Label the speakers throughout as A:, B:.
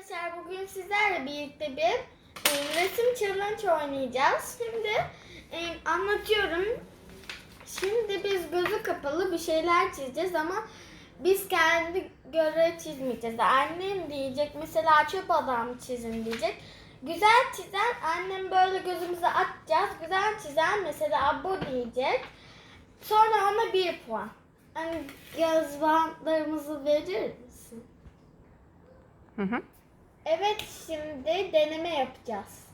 A: Arkadaşlar bugün sizlerle birlikte bir resim challenge oynayacağız. Şimdi anlatıyorum. Şimdi biz gözü kapalı bir şeyler çizeceğiz ama biz kendi göre çizmeyeceğiz. Annem diyecek mesela çöp adam çizin diyecek. Güzel çizen annem böyle gözümüze atacağız. Güzel çizen mesela bu diyecek. Sonra ona 1 puan. Hani göz bantlarımızı verir misin?
B: Hı.
A: Evet, şimdi deneme yapacağız.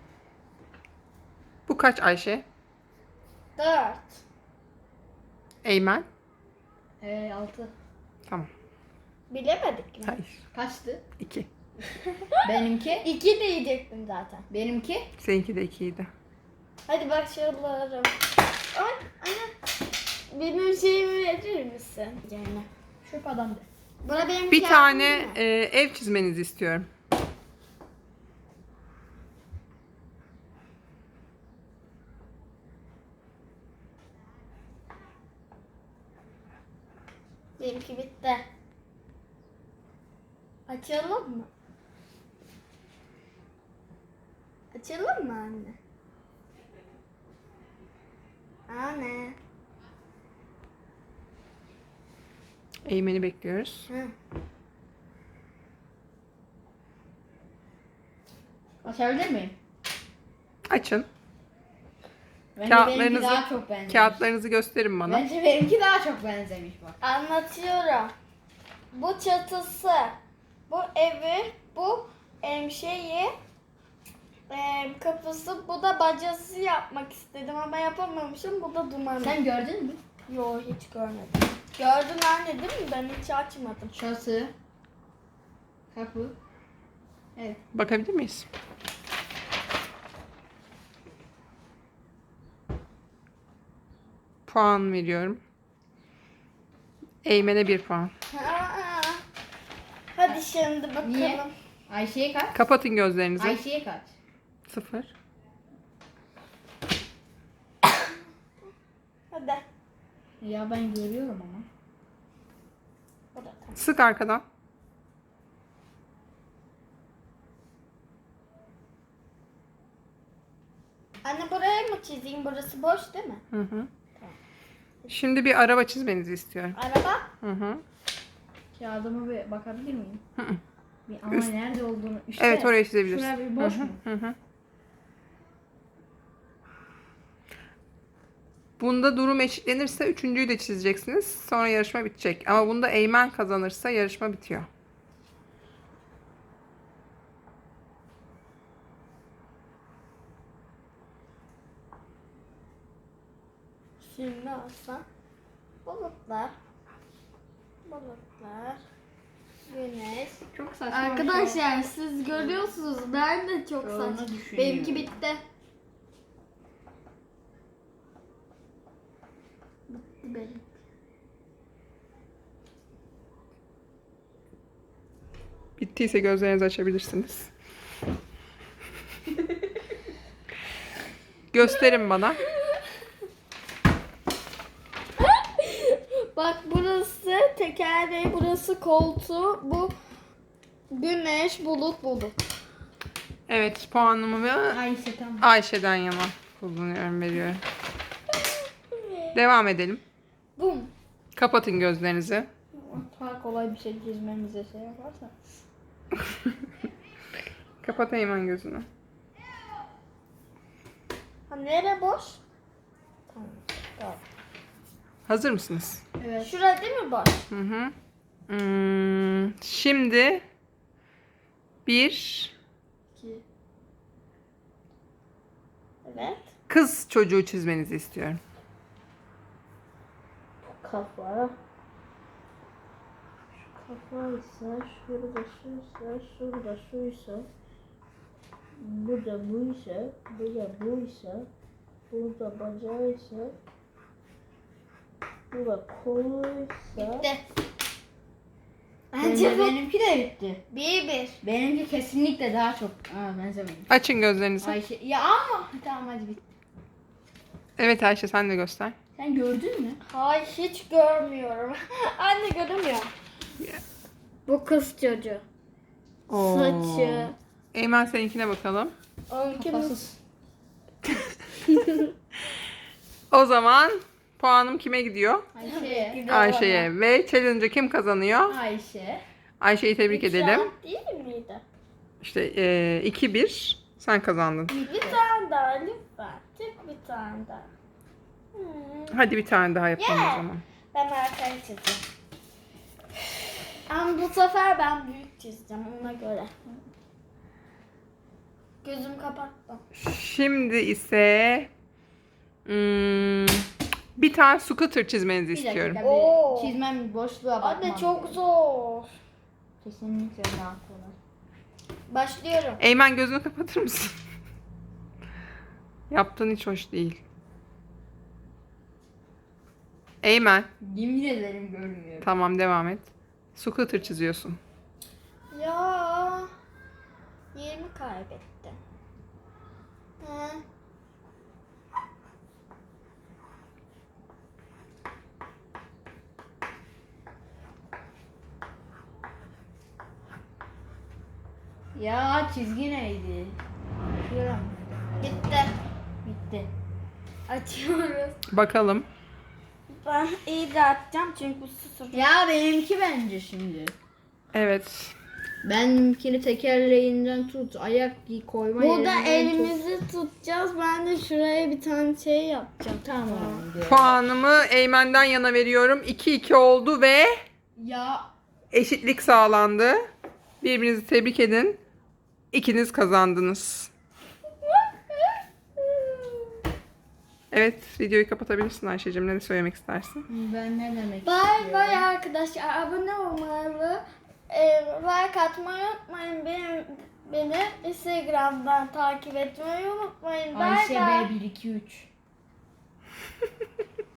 B: Bu kaç Ayşe?
A: 4.
B: Eymen?
C: 6.
B: Tamam.
A: Bilemedik mi?
B: Hayır.
C: Kaçtı?
B: 2.
C: Benimki?
A: 2 diyecektim zaten.
C: Benimki?
B: Seninki de 2'ydi.
A: Hadi başlayalım. Ay, anne. Benim şeyimi verir misin? Yani.
C: Çöp adam de.
A: Buna benim
B: Bir
A: kağıdım
B: tane
A: mı?
B: ev çizmenizi istiyorum.
A: Benimki bitti. Açalım mı? Açalım mı anne? Anne.
B: Eymen'i bekliyoruz.
A: Hı.
C: Açabilir miyim?
B: Açın.
C: Bence benimki
B: Kağıtlarınızı,
C: daha çok benzemiş.
B: kağıtlarınızı gösterin bana.
C: Bence benimki daha çok benzemiş bak.
A: Anlatıyorum. Bu çatısı, bu evi, bu şeyi, kapısı, bu da bacası yapmak istedim ama yapamamışım. Bu da dumanı.
C: Sen gördün mü?
A: Yo, hiç görmedim. Gördün anne değil mi? Ben hiç açmadım.
C: Çatı. Kapı. Evet.
B: Bakabilir miyiz? Puan veriyorum. Eymen'e 1 puan.
A: Aa, hadi şimdi bakalım.
C: Niye? Ayşe'ye kaç?
B: Kapatın gözlerinizi.
C: Ayşe'ye kaç?
B: 0.
A: Hadi.
C: Ya ben görüyorum ama.
A: Bu da tamam.
B: Sık arkadan.
A: Anne buraya mı çizeyim? Burası boş değil mi?
B: Hı hı. Şimdi bir araba çizmenizi istiyorum.
A: Araba.
B: Hı hı.
C: Kağıdıma bir bakabilir miyim?
B: Hı hı.
C: Ama nerede olduğunu. İşte,
B: Evet, oraya çizebilirsin.
C: Şuraya bir boş
B: Hı hı,
C: mu?
B: hı hı. Bunda durum eşitlenirse üçüncüyü de çizeceksiniz. Sonra yarışma bitecek. Ama bunda Eymen kazanırsa yarışma bitiyor.
A: Şimdi olsa bulutlar, bulutlar, güneş.
C: Çok saçma.
A: Arkadaşlar siz görüyorsunuz. Ben de çok
C: Onu
A: saçma.
C: düşünüyorum.
A: Benimki bitti. Bitti benim.
B: Bittiyse gözlerinizi açabilirsiniz. Gösterin bana.
A: Bak burası tekerleği, burası koltuğu, bu güneş, bulut, bulut.
B: Evet, puanımı
C: Ayşe tamam.
B: Ayşe'den yana kullanıyorum, veriyorum. Devam edelim.
A: Bum.
B: Kapatın gözlerinizi.
C: Daha kolay bir şey çizmemize şey yaparsa.
B: Kapat Eymen gözünü.
A: Ha, nere boş? Tamam. Tamam.
B: Hazır mısınız?
C: Evet.
A: Şurada değil mi boş?
B: Hı hı. Şimdi bir
C: 2.
A: Evet.
B: kız çocuğu çizmenizi istiyorum.
A: Kafa. Şu kafaysa, şurada şuysa, şurada şuysa, burada buysa, burada buysa, burada bacağıysa, burada koluysa. Bitti.
C: Bence benimki de bitti.
A: 1-1.
C: Benimki kesinlikle daha çok benzememiş.
B: Açın gözlerinizi.
C: Ayşe ya ama tamam hadi bitti.
B: Evet Ayşe, sen de göster.
C: Sen gördün mü?
A: Hayır, hiç görmüyorum. Anne göremiyorum. Bu kız çocuğu.
B: Oo.
A: Saçı.
B: Eymen seninkine bakalım.
A: Onunkinin
C: Kafasız.
B: O zaman puanım kime gidiyor?
C: Ayşe.
A: gidiyor bana.
B: Ayşe'ye. Ve challenge'ı kim kazanıyor?
C: Ayşe.
B: Ayşe'yi tebrik
A: Üç
B: edelim.
A: saat değil miydi?
B: İşte 2-1 sen kazandın.
A: Bir tane daha lütfen. Tek bir tane daha.
B: Hadi bir tane daha yapalım
A: Yeah.
B: o zaman.
A: Ben arkaya çizeceğim. Ama bu sefer ben büyük çizeceğim ona göre. Gözüm kapattım.
B: Şimdi ise bir tane scooter çizmenizi
C: Bir dakika
B: istiyorum.
C: bir
A: Oo.
C: çizmem boşluğa bakmam.
A: Anne çok zor.
C: Kesinlikle daha kolay.
A: Başlıyorum.
B: Eymen gözünü kapatır mısın? Yaptığın hiç hoş değil. Eymen.
C: Yemin ederim görmüyorum.
B: Tamam devam et. Scooter çiziyorsun.
A: Ya. Yerimi kaybettim. Hı.
C: Ya çizgi neydi? Şuram.
A: Bitti.
C: Bitti.
A: Açıyoruz.
B: Bakalım.
A: Ben iyi de atacağım çünkü bu susur.
C: Ya benimki bence şimdi.
B: Evet.
C: Benimkini tekerleğinden tut, ayak koyma
A: Burada
C: yerinden tut.
A: elimizi tutacağız. Ben de şuraya bir tane şey yapacağım.
C: Tamam.
B: Puanımı Eymen'den yana veriyorum. 2-2 oldu ve
C: Ya
B: eşitlik sağlandı. Birbirinizi tebrik edin. İkiniz kazandınız. Evet, videoyu kapatabilirsin Ayşe'cim. Ne söylemek istersin?
C: ben ne demek
A: Bay
C: istiyorum?
A: bay arkadaşlar. Abone olmayı, like atmayı unutmayın. Beni Instagram'dan takip etmeyi unutmayın. Bay
C: Ayşe
A: bay.
C: B123.